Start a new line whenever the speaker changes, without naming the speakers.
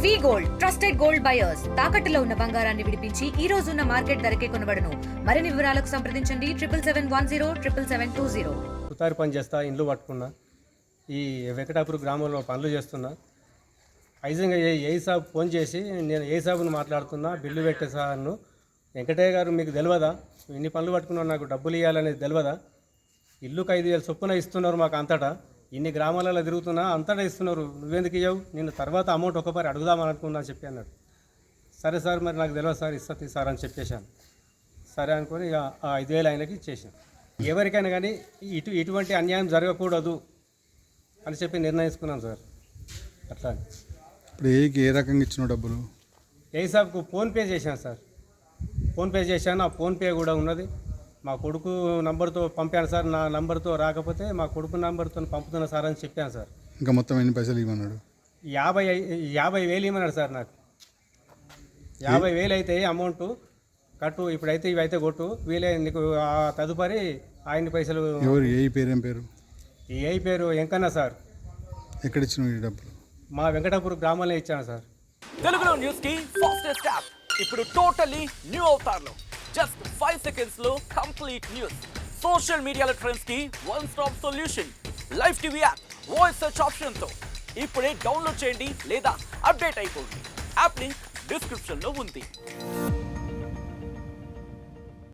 Gold trusted gold buyers తాకట్టులో ఉన్న బంగారాన్ని విడిపించి ఈ రోజు ఉన్న మార్కెట్ ధరకే కొనబడును. మరిన్ని వివరాలకు సంప్రదించండి 7771077720.
సుతారి పని చేస్తా, ఇండ్లు పట్టుకున్నా. ఈ వెంకటాపురం గ్రామంలో పనులు చేస్తున్నా. ఐజంగా ఏ సాబ్ ఫోన్ చేసి, నేను ఏ సాబును మాట్లాడుతున్నా, బిల్లు పెట్టే సార్ను, వెంకటయ్య గారు మీకు తెలియదా, ఇన్ని పనులు పట్టుకున్నావు, నాకు డబ్బులు ఇవ్వాలనేది తెలియదా, ఇల్లుకు 5,000 చొప్పున ఇస్తున్నారు మాకు అంతటా, ఇన్ని గ్రామాలలో తిరుగుతున్నా అంతటా ఇస్తున్నారు, నువ్వెందుకు ఇవ్వవు, నేను తర్వాత అమౌంట్ ఒకసారి అడుగుదామని అనుకున్నా అని చెప్పి అన్నాడు. సరే సార్, మరి నాకు తెలియదు సార్, ఇస్తుంది సార్ అని చెప్పేశాను. సరే అనుకొని ఇక ఆ 5,000 ఆయనకి ఇచ్చేసాను. ఎవరికైనా కానీ ఇటువంటి అన్యాయం జరగకూడదు అని చెప్పి నిర్ణయించుకున్నాను సార్. అట్లా
ఇప్పుడు ఏ రకంగా ఇచ్చిన డబ్బులు?
ఏ సాబ్కు ఫోన్పే చేశాను సార్, ఫోన్పే చేశాను. ఆ ఫోన్పే కూడా ఉన్నది. మా కొడుకు నంబర్తో పంపాను సార్, నా నంబర్తో రాకపోతే మా కొడుకు నంబర్తో పంపుతున్నా సార్ అని చెప్పాను సార్.
ఇంకా మొత్తం ఎన్ని పైసలు ఇవ్వమన్నాడు?
50,000 ఇవ్వమన్నాడు సార్. నాకు 50,000 అయితే అమౌంట్ కట్టు, ఇప్పుడైతే ఇవైతే కొట్టు, వీలే నీకు ఆ తదుపరి ఆయన పైసలు.
ఎవరు? ఏ పేరు? ఏం పేరు?
ఏ పేరు వెంకన్న సార్.
ఎక్కడ ఇచ్చిన ఈ డబ్బులు?
మా వెంకటాపురం గ్రామంలో ఇచ్చాను సార్.
తెలుగులో న్యూస్ కి ఫాస్టెస్ట్ యాప్ ఇప్పుడు టోటలీ న్యూ అవతార్లో జస్ట్ 5 seconds లో కంప్లీట్ న్యూస్, సోషల్ మీడియాలో ట్రెండ్స్ కి one stop solution, live TV app, voice search option తో ఇప్పుడే డౌన్లోడ్ చేయండి లేదా అప్డేట్ అయిపోండి. యాప్ లింక్ డిస్క్రిప్షన్ లో ఉంది.